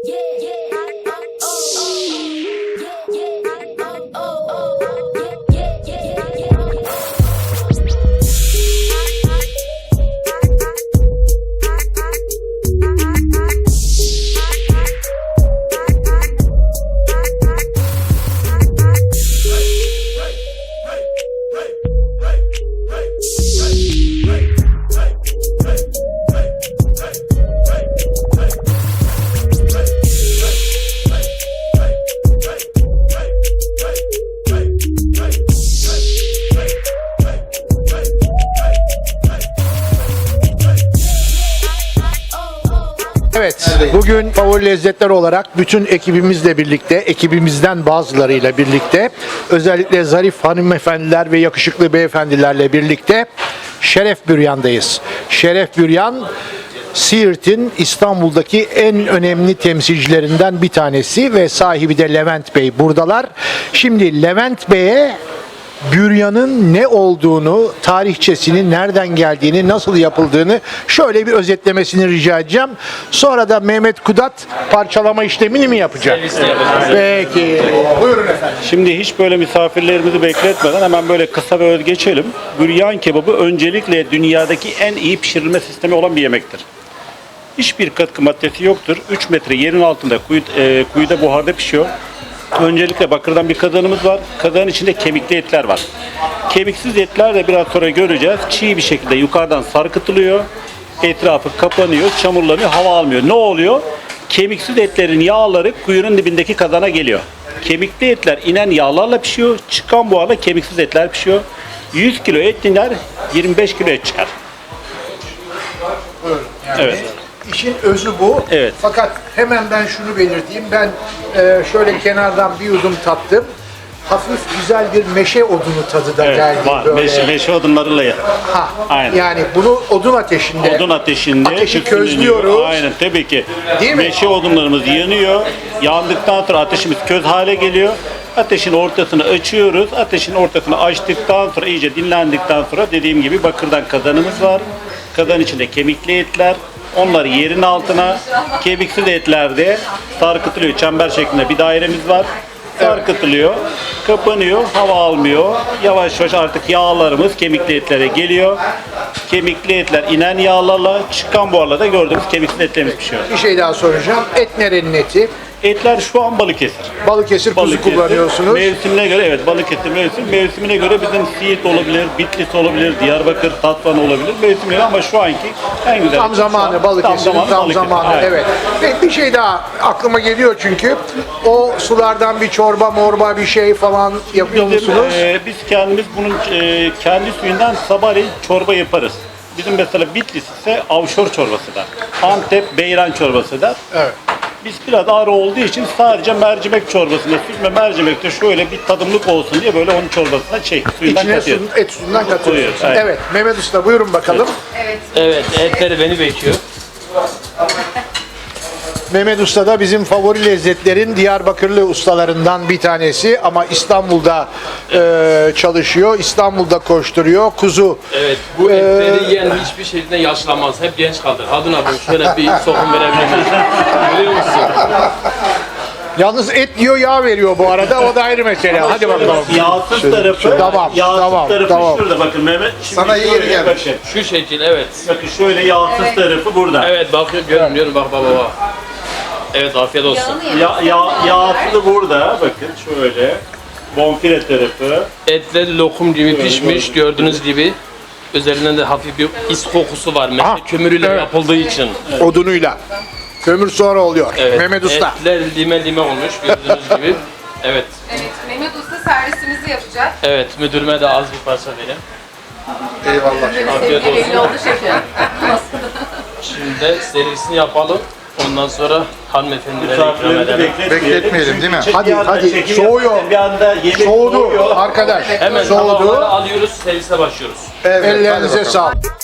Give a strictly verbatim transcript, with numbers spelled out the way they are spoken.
Evet, bugün Favori Lezzetler olarak bütün ekibimizle birlikte, ekibimizden bazılarıyla birlikte, özellikle zarif hanımefendiler ve yakışıklı beyefendilerle birlikte Şeref Büryan'dayız. Şeref Büryan, Siirt'in İstanbul'daki en önemli temsilcilerinden bir tanesi ve sahibi de Levent Bey buradalar. Şimdi Levent Bey'e büryanın ne olduğunu, tarihçesini, nereden geldiğini, nasıl yapıldığını şöyle bir özetlemesini rica edeceğim. Sonra da Mehmet Kudat parçalama işlemini mi yapacak? Peki. Buyurun efendim. Şimdi hiç böyle misafirlerimizi bekletmeden hemen böyle kısa ve öz geçelim. Büryan kebabı öncelikle dünyadaki en iyi pişirilme sistemi olan bir yemektir. Hiçbir katkı maddesi yoktur. üç metre yerin altında kuyu, e, kuyuda buharda pişiyor. Öncelikle bakırdan bir kazanımız var. Kazanın içinde kemikli etler var. Kemiksiz etler de biraz sonra göreceğiz. Çiğ bir şekilde yukarıdan sarkıtılıyor. Etrafı kapanıyor, çamurlanıyor, hava almıyor. Ne oluyor? Kemiksiz etlerin yağları kuyunun dibindeki kazana geliyor. Kemikli etler inen yağlarla pişiyor. Çıkan buharla kemiksiz etler pişiyor. yüz kilo et iner, yirmi beş kilo et çıkar. Yani evet. İşin özü bu. Evet. Fakat hemen ben şunu belirteyim. Ben e, şöyle kenardan bir yudum tattım. Hafif güzel bir meşe odunu tadı da Evet, geldi. var. Böyle. Meşe, meşe odunlarıyla ya. Ha, Aynen. Yani bunu odun ateşinde. Odun ateşinde. Ateşi tütsüleniyor. közlüyoruz. Aynen tabii ki. Değil mi? Meşe odunlarımız yanıyor. Yandıktan sonra ateşimiz köz hale geliyor. Ateşin ortasını açıyoruz. Ateşin ortasını açtıktan sonra iyice dinlendikten sonra dediğim gibi bakırdan kazanımız var. Kazan içinde kemikli etler. Onları yerin altına, kemiksiz etlerde sarkıtılıyor. Çember şeklinde bir dairemiz var. Sarkıtılıyor, kapanıyor, hava almıyor. Yavaş yavaş artık yağlarımız kemikli etlere geliyor. Kemikli etler inen yağlarla, çıkan buharla da gördüğümüz kemiksiz etlerimiz pişiyor. Bir şey daha soracağım. Et nerenin eti? Etler şu an Balıkesir. Balıkesir kuzu Balıkesir. kullanıyorsunuz. Mevsimine göre evet Balıkesir mevsim. Mevsimine göre bizim Siirt olabilir, Bitlis olabilir, Diyarbakır, Tatvan olabilir. Mevsimine ama şu anki en güzel. Tam zamanı Balıkesir'in tam, tam zamanı. Aynen. Evet. Ve bir şey daha aklıma geliyor çünkü o sulardan bir çorba morba bir şey falan yapıyor Bizim, musunuz? e, biz kendimiz bunun e, kendi suyundan sabahleyin çorba yaparız. Bizim mesela Bitlis ise avşor çorbası da. Antep beyran çorbası da. Evet. Biz biraz ağır olduğu için sadece mercimek çorbasında, süzme mercimekte şöyle bir tadımlık olsun diye böyle onun çorbasına şey, suyundan İçine katıyoruz. su, et suyundan katıyorsunuz. Koyuyoruz, Evet. Mehmet Usta buyurun bakalım. Evet, etleri beni bekliyor. Mehmet Usta da bizim favori lezzetlerin Diyarbakırlı ustalarından bir tanesi ama İstanbul'da e, çalışıyor, İstanbul'da koşturuyor. Kuzu. Evet, bu Ee, etleri yiyen hiçbir şekilde yaşlanmaz. Hep genç kalır. Hadun abi şöyle bir sokum verebilir miyim? Biliyor musun? Yalnız et diyor, yağ veriyor bu arada. O da ayrı mesele. Hadi bakalım. Yağsız tarafı, Tamam, yağsız tamam, tarafı tamam. şurada bakın Mehmet. Şimdi Sana iyi şöyle gelmiş. bakın. Şu şekil, evet. Bakın şöyle yağsız tarafı burada. Evet, bakıyorum, görünüyor. Bak baba bak. Evet, afiyet olsun. Ya, ya, yağsız burada bakın şöyle. Bonfile tarafı. Etler lokum gibi pişmiş, gördüğünüz gibi. Üzerinden de hafif bir is kokusu var. Meşe Ah, kömürüyle evet. yapıldığı için. Odunuyla. Kömür sonra oluyor. Evet, Mehmet Usta. etler lime lime olmuş, gördüğünüz gibi. Evet, Evet, Mehmet Usta servisimizi yapacak. evet. Müdürüme de az bir parça verin. Eyvallah. Afiyet Sevgi belli olsun. oldu şefim. Şimdi de servisini yapalım. Ondan sonra hanımefendilere ikram Misafirlerimizi edelim. Bekletmeyelim, değil mi? Çünkü Hadi, bir anda hadi. çekim Soğuyor. yaparken Bir anda yemek Soğudu soğuyor. arkadaş. Hemen Soğudu. tabakları alıyoruz, servise başlıyoruz. Ellerinize sağlık.